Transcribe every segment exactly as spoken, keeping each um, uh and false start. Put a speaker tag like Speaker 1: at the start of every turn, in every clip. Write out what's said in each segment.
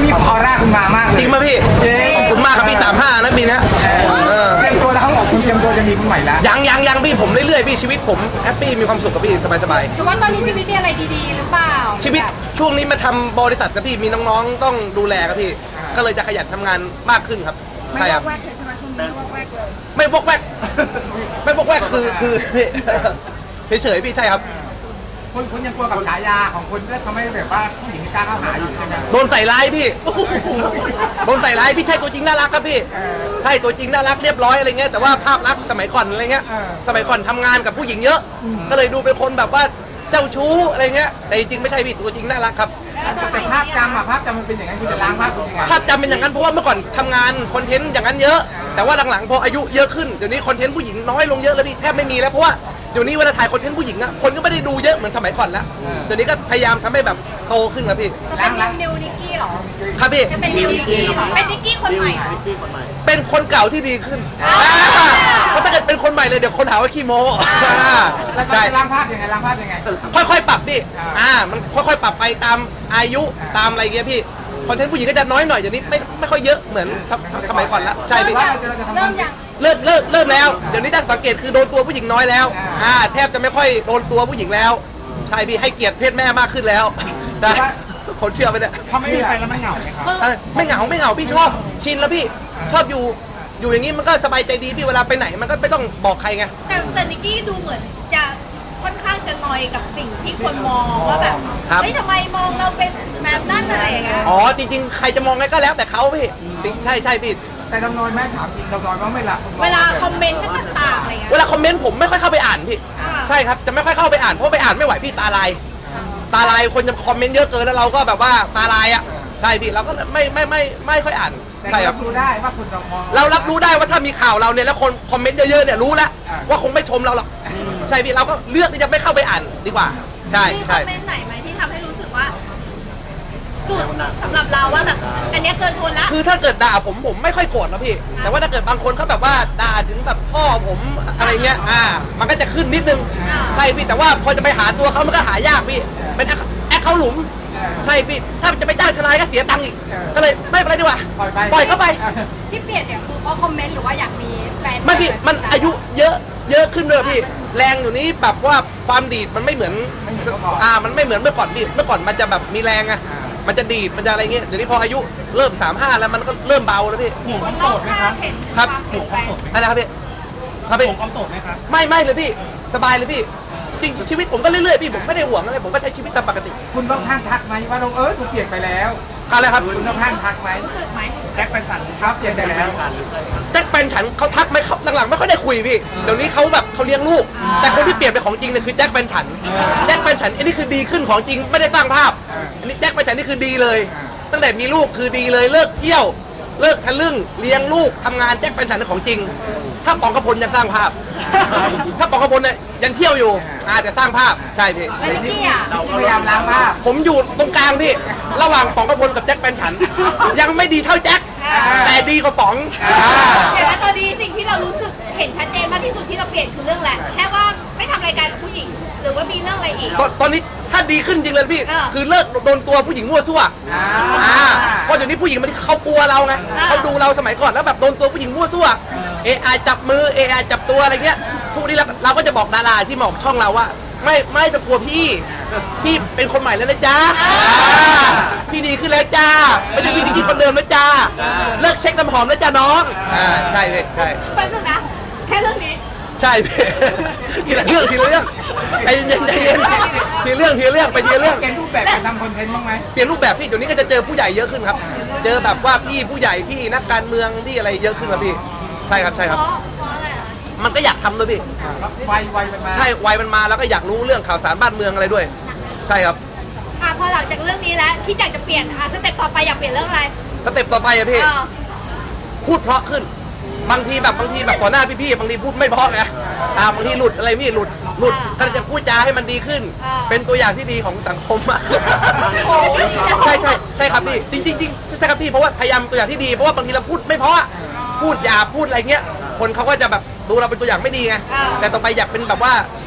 Speaker 1: นี้ออร่าคุณมามากเลย
Speaker 2: จริงมาพี่ขอบคุณมากครับพี่สามห้านะปีนี้
Speaker 1: เตรียมตัวแล้วเขาบอกคุณเตรียมตัวจะมีคนใหม่แล้ว
Speaker 2: ยังยังยังพี่ผมเรื่อยๆพี่ชีวิตผมแฮปปี้มีความสุขกับพี่สบาย
Speaker 3: ๆหรือว่าตอนนี้ชีวิตมีอะไรดีๆหรือเปล่า
Speaker 2: ชีวิตช่วงนี้มาทำบริษัทกับพี่มีน้องๆต้องดูแลครับพี่ก็เลยจะขยันทำงานมากขึ้นครับใช่ครับไม่วอกแวกไม่วอกแวกคือคือเฉยๆพี่ใช่ครับ
Speaker 1: คุณคุณยังกลัวกับฉายาของคุณก็ทำให้แบบว่าผู้หญิงไม่กล้าเข้าหาอยู่ใช่ไหม
Speaker 2: โดนใส่ร้ายพี่โดนใส่ร้ายพี่ใช่ตัวจริงน่ารักครับพี่ใช่ตัวจริงน่ารักเรียบร้อยอะไรเงี้ยแต่ว่าภาพลักษณ์สมัยก่อนอะไรเงี้ยสมัยก่อนทำงานกับผู้หญิงเยอะก็เลยดูเป็นคนแบบว่าเจ้าชู้อะไรเงี้ยแต่จริงไม่ใช่พี่ตัวจริงน่ารักครับ
Speaker 1: แต่ภาพจำอะภาพจำมันเป็นอย่างนั้นคุณจะล้างภาพคุณยังไง
Speaker 2: ภาพจำเป็นอย่างนั้นเพราะว่าเมื่อก่อนทำงานคอนเทนต์อย่างนั้นเยอะแต่ว่าหลังๆพออายุเยอะขึ้นเดี๋ยวนี้คอนเทนต์ผู้หญิงน้อยลงเยอะแล้วพี่แทบไม่มีแล้วเพราะว่าเดี๋ยวนี้เวลาถ่ายคอนเทนต์ผู้หญิงอะคนก็ไม่ได้ดูเยอะเหมือนสมัยก่อนแล้วเดี๋ยวนี้ก็พยายามทำให้แบบโตขึ้นแล้วพี่
Speaker 3: จะเป็นนิวนิกกี้หรอ
Speaker 2: ครับพี่
Speaker 3: จะเป็นนิวนิกกี้หรอเป็นนิกกี้คนใหม่
Speaker 2: เป็นคนเก่าที่ดีขึ้นเพราะถ้าเกิดเป็นคนใหม่เลยเดี๋ยวคนหาว่าขี้โม้
Speaker 1: แล้วจะล้างภาพยังไงล้างภาพยังไง
Speaker 2: ค่อยๆปรับพี่อ่ามันค่อยๆปรับไปตามอายุตามอะไรเงี้ยพี่คอนเทนต์ผู้หญิงก็จะน้อยหน่อยเดี๋ยวนี้ไม่ไม่ค่อยเยอะเหมือนสมัยก่อนแล้วใช่พี่
Speaker 3: เริ่มยัง
Speaker 2: เลิกเลิกเริ่มแล้วเดี๋ยวนี้ถ้าสังเกตคือโดนตัวผู้หญิงน้อยแล้วอ่าแทบจะไม่ค่อยโดนตัวผู้หญิงแล้วใช่พี่ให้เกียรติเพศแม่มากขึ้นแล้วได้คนเชื่อไปเนี่ย
Speaker 1: เขาไม่มีใครแล้วไม่เหงาไหมครับ
Speaker 2: ไม่เหงาไม่เหงาพี่ชอบชินแล้วพี่ชอบอยู่อยู่อย่างนี้มันก็สบายใจดีพี่เวลาไปไหนมันก็ไม่ต้องบอกใครไง
Speaker 4: แต่แต่นิกกี้ดูเหมือนจะค่อนข้างจะนอยกับสิ่งที่คนมองว่าแบบเฮ้ยทำไมมองเราเป็นแบบนั้นอะไรอย่างเงี้ย
Speaker 2: อ๋อจริงๆใครจะมองไงก็แล้วแต่เขาพี่ใช่ใช่พี่
Speaker 1: แต่เรานอยแม่ถามจริงเรานอยว่าไม่ละ
Speaker 4: เวลาคอมเมนต์ต่างๆอะไรเงี้ย
Speaker 2: เวลาคอมเมนต์ผมไม่ค่อยเข้าไปอ่านพี่ใช่ครับจะไม่ค่อยเข้าไปอ่านเพราะไปอ่านไม่ไหวพี่ตาลายตาลายคนจะคอมเมนต์เยอะเกินแล้วเราก็แบบว่าตาลายอ่ะใช่พี่เราก็ไม่ไม่ไม่ไม่ค่อยอ่าน
Speaker 1: ใช่ครับรับรู้ได้ว่าคุณมอง
Speaker 2: เรารับรู้ได้ว่าถ้ามีข่าวเราเนี่ยแล้วคนคอมเมนต์เยอะๆเนี่ยรู้แล้วว่าคงไม่ชมเราหรอกใช่พี่เราก็เลือกที่จะไม่เข้าไปอ่านดีกว่าใช่
Speaker 4: ใช่มีคอมเมนต์ไหนไหมที่ทำให้รู้สึกว่าสุดสำหรับเราว่าแบบอันนี้เกินทนละ
Speaker 2: คือถ้าเกิดด่าผมผมไม่ค่อยโกรธนะพี่แต่ว่าถ้าเกิดบางคนเขาแบบว่าด่าถึงแบบพ่อผมอะไรเงี้ยอ่ามันก็จะขึ้นนิดนึงใช่พี่แต่ว่าพอจะไปหาตัวเขามันก็หายากพี่เป็นแอคเขาหลุมใช่พี่ถ้าจะไปจ้างทนายก็เสียตังค์อีกก็เลยไม่เป็นไรดีกว่าปล่อยไปปล่อยเข้าไป
Speaker 3: ที่เปลี่ยนเนี่ยคือเพราะคอมเมนต์หรือว่าอยากมีแฟน
Speaker 2: ไม่พี่มันอายุเยอะเยอะขึ้นเลยพี่แรงอยู่นี้แบบว่าความดีดมันไม่เหมือนอ่ามันไม่เหมือนเมื่อก่อนพี่เมื่อก่อนมันจะแบบมีแรงอะมันจะดีดมันจะอะไรเงี้ยเดี๋ยวนี้พออายุเริ่มสามห้าแล้วมันก็เริ่มเบาแล้วพี่
Speaker 4: ห่วงความโสดไหมครับ
Speaker 2: ครับห่วงความโสดอะไรครับพี่ครับพี่
Speaker 1: ห่วงความโสดไหมครับ
Speaker 2: ไม่ไม่เลยพี่สบายเลยพี่จริงชีวิตผมก็เรื่อยๆพี่ผมไม่ได้ห่วงอะไรผมก็ใช้ชีวิตตามปกติ
Speaker 1: คุณต้องข้างทักไหมว่าน้องเอิร์ธดูเปลี่ยนไปแล้ว
Speaker 2: อะไรครับ
Speaker 1: คุณต้องข้างทักไหม
Speaker 4: รู้สึกไหม
Speaker 1: แจ็คแฟนฉันครับเปลี่ยนไปแล้ว
Speaker 2: แจ็คแฟนฉันเขาทักไหมครับหลังๆไม่ค่อยได้คุยพี่เดี๋ยวนี้เขาแบบเขาเลี้ยงลูกแต่คนที่เปลี่ยนไปของจริงเนี่ยคือแจ็คแฟนฉันแจ็คแฟนฉันอันนี้คือดีขึ้นของจริงไม่ได้สร้างภาพอันนี้แจ็คแฟนฉันนี่คือดีเลยตั้งแต่มีลูกคือดีเลยเลิกเที่ยวเลิกทะลึ่งเลี้ยงลูกทำงานแจ็คแฟนฉันของจริงถ้าปองกระพลยังสร้างภาพถ้าปองกระพลเนี่ยยังเที่ยวอยู่อาจจะสร้างภาพใช่พี่
Speaker 3: แล้วนิกกี้อ่ะ
Speaker 1: พยายามล้างภาพ
Speaker 2: ผมอยู่ตรงกลางพี่ระหว่างปองกระพลกับแจ็คแฟนฉันยังไม่ดีเท่าแจ็คแต่ดีกว่าป๋อง
Speaker 4: แต่ถ้าตอนนี้สิ่งที่เรารู้สึกเห็นชัดเจนมากที่สุดที่เราเปลี่ยนคือเรื่องอะไรแค่ว่าไม่ทำรายการกับผู้หญิงหรือว่ามีเรื่องอะไรอีก
Speaker 2: ตอนนี้ถ้าดีขึ้นจริงเลยพี่คือเลิกโดนตัวผู้หญิงมั่วซั่วเพราะเดี๋ยวนี้ผู้หญิงมันเขากลัวเราไงเขาดูเราสมัยก่อนแล้วแบบโดนตัวผู้หญิงมั่วซั่วเอไอจับมือเอไอจับตัวอะไรเงี้ยพวกนี้เราเราก็จะบอกดาราที่บอกช่องเราว่าไม่ไม่จะกลัวพี่พี่เป็นคนใหม่แล้วนะจ๊ะพี่ดีขึ้นแล้วจ้าไม่ใช่พี่ที่กินคนเดิมแล้วจ้าเลิกเช็คน้ำหอมแล้วจ้าน้องใช่เลยใช่
Speaker 4: แป๊บนึงนะแค่เรื่องนี้
Speaker 2: ใช่ทีละเรื่องทีละเรื่องใจเย็นใจเย็นทีเรื่องทีเรื่องไปทีเรื่อง
Speaker 1: เปลี่ยนรูปแบบการทำคอนเทนต์บ้างไหม
Speaker 2: เปลี่ยนรูปแบบพี่เดี๋ยวนี้ก็จะเจอผู้ใหญ่เยอะขึ้นครับเจอแบบว่าพี่ผู้ใหญ่พี่นักการเมืองพี่อะไรเยอะขึ้นครับพี่ใช่ครับใช่ครับ
Speaker 4: เพราะอะไร
Speaker 2: มันก็อยากทำด้วยพี่
Speaker 1: วัยวัยมันมา
Speaker 2: ใช่วัยมันมาแล้วก็อยากรู้เรื่องข่าวสารบ้านเมืองอะไรด้วยใช่ครับ
Speaker 4: อ่ะพอหลังจากเรื่องนี้แล้วคิดอยากจะเปลี่ยนอ่ะสเต็ปต่อไปอยากเปลี่ยนเรื่องอะไร
Speaker 2: สเต็ปต่อไปอะพี่พูดเพราะขึ้นบางทีแบบบางทีแบบต่อหน้าพี่ๆบางทีพูดไม่เพราะไงอ่าบางทีหลุดอะไรพี่หลุดหลุดถ้าจะพูดจาให้มันดีขึ้นเป็นตัวอย่างที่ดีของสังคมมากใช่ใช่ใช่ครับพี่จริงจริงจริงใช่ครับพี่เพราะว่าพยายามตัวอย่างที่ดีเพราะว่าบางทีเราพูดไม่เพราะพูดหยาบพูดอะไรเงี้ยคนเขาก็จะแบบดูเราเป็นตัวอย่างไม่ดีไงแต่ต่อไปอยากเป็นแบบว่า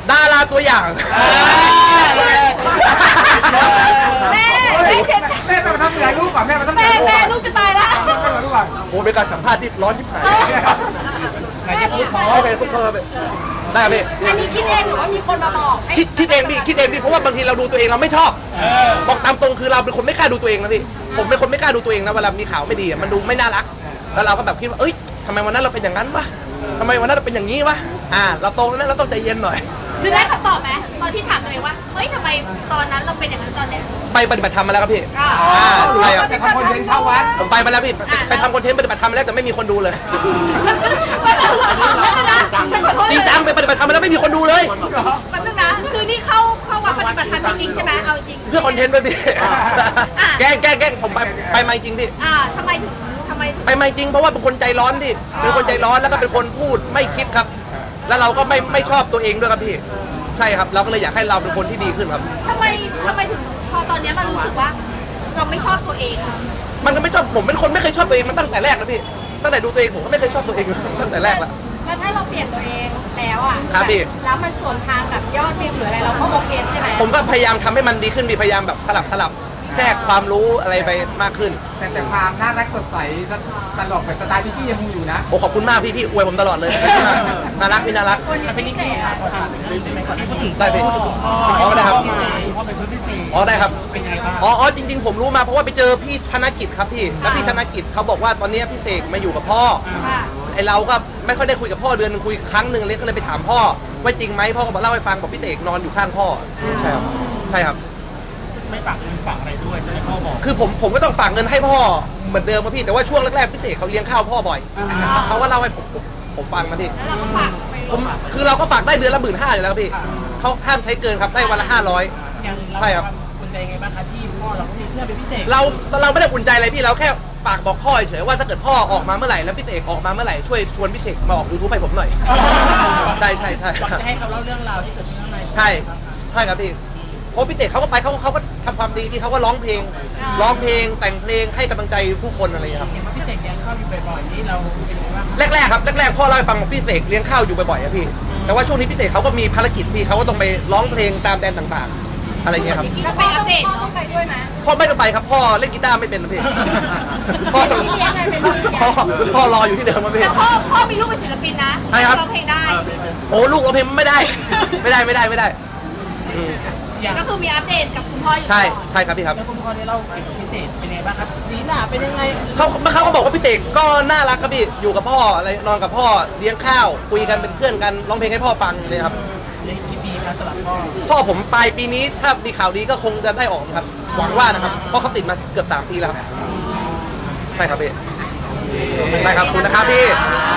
Speaker 2: ดาราตัวอย่าง
Speaker 4: แม่แม่เจ็บ
Speaker 1: แม่ไปมาทำเสียลูกก่อนแม่มาทำ
Speaker 4: แม่
Speaker 1: เสียลูก
Speaker 4: แม่
Speaker 1: ก่อน
Speaker 4: ลูกจะตายแล้ว
Speaker 1: แม่มาลูกก่อน
Speaker 2: โอ้เป็นการสัมภาษณ์ที่ร้อนที่ผ่าน
Speaker 4: แม่พูด
Speaker 2: อ๋อไปพูดเพิ่มไปได้ครับพี่
Speaker 3: อันนี้คิดเองหรือว่ามีคนมาบอกให้
Speaker 2: คิดคิดเองพี่คิดเองพี่เพราะว่าบางทีเราดูตัวเองเราไม่ชอบบอกตามตรงคือเราเป็นคนไม่กล้าดูตัวเองนะพี่ผมเป็นคนไม่กล้าดูตัวเองนะเวลามีข่าวไม่ดีอะมันดูไม่น่ารักแล้วเราก็แบบคิดว่าเอ้ยทำไมวันนั้นเราเป็นอย่างนั้นวะทำไมวันนั้นเราเป็นอย่างนี้วะอ่าเราโตแล้วนะเราต้องใจเย็นหน่อย
Speaker 4: คือได้คำตอบไหมตอนที่ถามตัวเองว่าเฮ้ยทำไมตอนนั้นเราเป็นอย่างนั้นตอนเนี้ย
Speaker 2: ไปปฏิบัติธรรมมาแล้วครับพี่
Speaker 4: อ่า
Speaker 2: อ่าใช่ครับ
Speaker 1: แต่ทำคนเดินเข้าวัด
Speaker 2: ผมไปมาแล้วพี่ไปไปทำคอนเทนต์ปฏิบัติธรรมมาแล้วแต่ไม่มีคนดูเลย
Speaker 4: แป๊บนึงนะฉันขอโทษ
Speaker 2: จริงจังไปปฏิบัติธรรมมาแล้วไม่มีคนดูเลย
Speaker 4: แป๊บนึงนะคือนี่เข้าเข้าวัดปฏิบัติธรรมจริงๆใช่ไหมเอาจริง
Speaker 2: เพื่อคอนเทนต์ด้วยพี่แกล้งแกล้งแกล้งผมไปไปมาจริงพี่
Speaker 4: อ่าทำไมถึงทำไมถึง
Speaker 2: ไปมาจริงเพราะว่าเป็นคนใจร้อนพี่เป็นคนใจร้อนแล้วก็เป็นคนพูดไม่คิดครับ แล้วเราก็ไม่ไม่ชอบตัวเองด้วยครับพี่ใช่ครับเราก็เลยอยากให้เราเป็นคนที่ดีขึ้นครับ
Speaker 4: ทำไมทำไมถึงพอตอนเนี้ยมันรู้สึกว่า เราไม่ชอบตัวเองอะ
Speaker 2: มันก็ไม่ชอบผมเป็นคนไม่เคยชอบตัวเองมาตั้งแต่แรกนะพี่ตั้งแต่ดูตัวเองผมก็ไม่เคยชอบตัวเองตั้งแต่แรกแล้ว
Speaker 3: แล้วถ้าเราเปลี่ยนตัวเองแล้วอ่ะ
Speaker 2: ครับพี่
Speaker 3: แล้วมันสวนทางกับยอดวิวหรืออะไรเราก็โอเคใช่ไหม
Speaker 2: ผมก็พยายามทำให้มันดีขึ้นมีพยายามแบบสลับสลับแทรกความรู้อะไรไปมากขึ้น
Speaker 1: แต่แต่ความน่ารักสดใสตลกแบบสไตล์พี่กี้ยังคงอยู่นะ
Speaker 2: โอ้ขอบคุณมากพี่พี่อวยผมตลอดเลยน่ารักพี่น่ารัก
Speaker 5: เป็นนิกกี้ค่ะขอถามเรื่องไหมก่อนที่พูดถึง
Speaker 2: ได้พี่
Speaker 5: คุณพ่อ
Speaker 2: อ๋อได้ครับ
Speaker 5: คุณพ่อเป็นเพื่อนพี่ซี
Speaker 2: อ๋อได้ครับ
Speaker 5: เป็นไงบ้าง
Speaker 2: อ๋ออ๋อจริง ๆ ผมรู้มาเพราะว่าไปเจอพี่ธนกิจครับพี่แล้วพี่ธนกิจเขาบอกว่าตอนนี้พี่เสกมาอยู่กับพ่อ
Speaker 4: ค่ะ
Speaker 2: ไอเราก็ไม่ค่อยได้คุยกับพ่อเดือนหนึงคุยครั้งหนึ่งเลยก็เลยไปถามพ่อว่าจริงไหมพ่อก็บอกเล่าให้ฟังบอกพี่เสกนอนอยู่ข้างพ่อใช่ครับใช่ครับ
Speaker 5: ไม่ฝากเงินฝากอะไรด้วยใช่ไหมพ่อบอก
Speaker 2: คือผมผมก็ต้องฝากเงินให้พ่อเหมือนเดิมครับพี่แต่ว่าช่วงแรกๆพี่เสกเขาเลี้ยงข้าวพ่อบ่อยเขาก็เล่าให้ผมผมผมฟังนะพี่
Speaker 3: แล้วเราก็ฝากไป
Speaker 2: ผมคือเราก็ฝากได้เดือนละหมื่นห้าอยู่แล้วครับพี่เขาห้ามใช้เกินครับได้วันละห้าร้อย
Speaker 5: อย่างเรา
Speaker 2: ใช่ครับ
Speaker 5: คุณใจยังไงบ้างคะที่พ่อเราก็มีเพื่อนเป็นพิเศษ
Speaker 2: เราเราไม่ได้อุ่นใจอะไรพี่เราแค่ฝากบอกพ่อเฉยๆว่าถ้าเกิดพ่อออกมาเมื่อไหร่แล้วพี่เสกออกมาเมื่อไหร่ช่วยชวนพี่เสกมาออกยูทูบให้ผมหน่อยใช่ใช่ใช่
Speaker 5: อยากจะให้เขาเล่าเรื่องราวที่เกิดขึ้นข้างใน
Speaker 2: ใช่ใช่ครับพี่เพราะพี่เต๋เขาก็ไปเขาเขาก็ทำความดีที่เขาก็ร้องเพลงร้องเพลงแต่งเพลงให้กำลังใจผู้คนอะไรอย่างเงี้ยครับ
Speaker 5: เห็นว่าพิเศษเลี้ยงข้าวอยู่บ่อยๆนี่เราเป็นยังไงบ้างคะ
Speaker 2: แรกๆครับแรกๆพ่อเล่าให้ฟังว่าพี่เสกเลี้ยงข้าวอยู่บ่อยๆอะพี่แต่ว่าช่วงนี้พี่เสกเขาก็มีภารกิจพี่เขาก็ต้องไปร้องเพลงตามแดนต่างๆ อะไรเงี้ยครับ
Speaker 3: แล้วพ่อต้องพ่อต้องไปด้วยไหม
Speaker 2: พ่อไม่ต้องไปครับพ่อเล่นกีตาร์ไม่เป็นนะพี่พ่อ
Speaker 3: เป็นพี่เลี้ยงไงเป็นพี่เลี้ยง
Speaker 2: พ่อพ่อรออยู่ที่เดิมครับพี่
Speaker 4: แต่พ่อพ่อมีลูกเป็นศิลปินนะ
Speaker 2: ใช่ครับ
Speaker 4: ร้องเพลงได้
Speaker 2: โอ้ลูกเราเพลงไม่ได้ ไม่ได้ไม่ได้ไม่ได้อืม
Speaker 5: อย่าง
Speaker 4: ก็คือมีอัปเดตกับคุณพ่ออยู่
Speaker 2: ใช่
Speaker 4: ตลอด
Speaker 2: ใช่ครับพี่ครับ
Speaker 5: แล้วคุณพ่อได้เล่าเกี่ยวกับพิเศษเป็นยังไงบ้างครับสีหน้าเป็นยังไง
Speaker 2: เขาเขาก็บอกว่าพี่เสกก็น่ารักครับพี่อยู่กับพ่ออะไรนอนกับพ่อเลี้ยงข้าวคุยกันเป็นเพื่อนกันร้องเพลงให้พ่อฟังเลยครับ
Speaker 5: เลี้ยงกี่ปีครับสำหรับพ่อ
Speaker 2: พ่อผมปลายปีนี้ถ้ามีข่าวดีก็คงจะได้ออกนะครับหวังว่านะครับเพราะเขาติดมาเกือบสามปีแล้วครับใช่ครับพี่ใช่ครับขอบคุณนะครับพี่